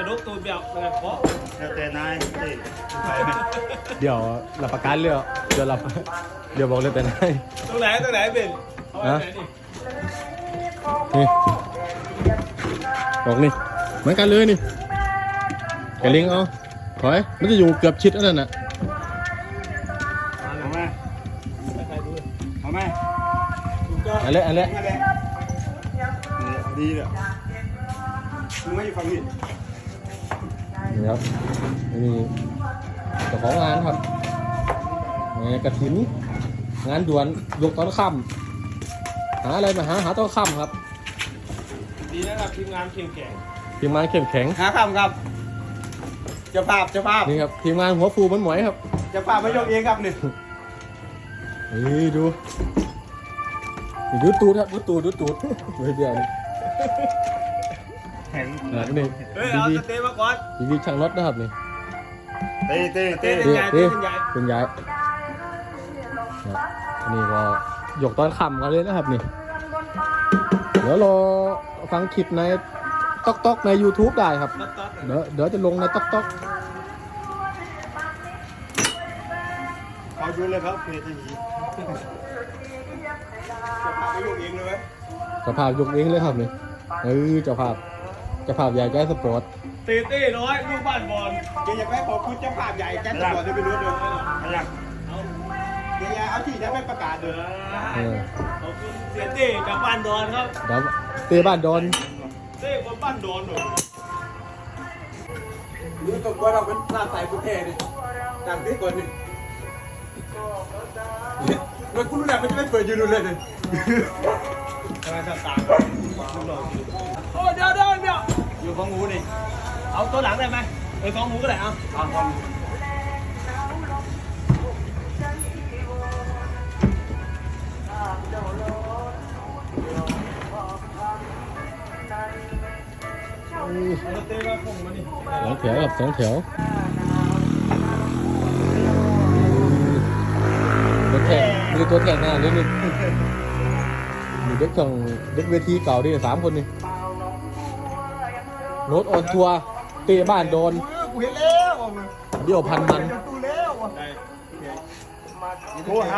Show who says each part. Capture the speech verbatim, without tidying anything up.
Speaker 1: ระดูกตูดแบบแบบเพาะ
Speaker 2: แล้วแต่นายสิ
Speaker 3: เดี๋ยวรับประกันเรือเดี๋ยวรับเดี๋ยวบอกเลยแต่ไหน
Speaker 1: ตรงไหนตรงไหนเป็นเอาไว้ไหนนี่
Speaker 3: นี่บอกนี่เหมือนกันเลยนี่แกลิงเอาถอยมันจะอยู่เกือบชิดนั่นน่ะ
Speaker 2: เอาไหม
Speaker 1: ใครดู
Speaker 2: เอาไหม
Speaker 1: ถูกต้อง
Speaker 3: อันเละอันเละ
Speaker 2: นี่ดีเลยมึงไม่อยู่ฝั่งนี้
Speaker 3: นี่ครับนี่เจ้าของงานครับนี่กระถินงานด่วนยกตอนค่ำหาอะไรมาหาหาตอนค่ำครับ
Speaker 1: ดีนะครับทีมงานเข้มแข็ง
Speaker 3: ทีมงานเข้มแข็ง
Speaker 2: หาคำครับเจ้าภาพเจ้าภาพ
Speaker 3: นี่ครับทีมงานหัวฟูมันหมวยครับ
Speaker 2: เจ้าภาพไม่ยกเองครับนี่
Speaker 3: นี่ดูนี่ดูตูดครับดูตูดดูตูดไม่เดียวนี่
Speaker 2: แข็ง
Speaker 3: นะนี่
Speaker 1: เฮ้ย
Speaker 3: ดี
Speaker 1: เอา
Speaker 3: ดี
Speaker 1: สเตย์มาก่อน
Speaker 3: ดีดีช่างรถนะครับนี่
Speaker 2: เต้เต้เต้
Speaker 1: เป็นใหญ่เป็นใหญ่
Speaker 3: เป็นย้ายครับนี่ก็ยกตอนค่ำกันเลยนะครับนี่เดี๋ยวรอฟังคลิปในต๊อกต๊อกใน YouTube ได้ครับ
Speaker 1: ตัดตัด
Speaker 3: เดี๋ยวเดี๋ยวจะลงในต๊อกต๊อก
Speaker 2: เขาดูเลยครับเพจนี้เจ้าภาพไม่ยกเองเลยไหม
Speaker 3: เจ้าภาพยกเองเลยครับนี่เออเจ้าภาพเจ้าภาพใหญ่ใจสปอร์ต
Speaker 1: ตีตีน้อยลูกบ้านบอล
Speaker 2: เดี๋ยวอยากให้ขอบคุณเจ้าภาพใหญ่แจ็คตำรวจจะไปรู้ด้วยอะไรอย่าง
Speaker 1: เอา
Speaker 2: เดี๋ยวเอาที่จะไม่ประกาศเลย
Speaker 3: เออ
Speaker 1: ขอบคุณเสียเต้จากบ้านดอนครับ
Speaker 3: เดี๋ยวเตะบ้านดอน
Speaker 1: เต้คนบ้านดอนหน่อย
Speaker 2: รู้ตัวว่าเราเป็นหน้าใสผู้เท่ดิดังที่ก่อนดิแล้วคุณรู้แล้วมันจะไม่เปิดยูนูเลยดิ
Speaker 1: ทำไมต่างๆลูกหล่อจริงโอ้เดี๋ยวเดี๋ยวเดี๋ยว
Speaker 2: อยู่ของงูนี่
Speaker 1: เอาตัวหลังได้ไหมเออสองหมูก็ได้เอา
Speaker 2: เอาของ
Speaker 1: เอาสเตย์มาคงมานี่
Speaker 3: สองแถวครับสองแถวรถแข่งมีตัวแข่งหน้าด้วยนี่มีเด็กของเด็กเวทีเก่าดิสามคนนี่รถออนทัวร์เตะบ้านโดน
Speaker 2: กูเห็นแล้ว
Speaker 3: เดี่ยวพันมัน
Speaker 2: กูแล้ว
Speaker 1: ได้
Speaker 2: โทรหา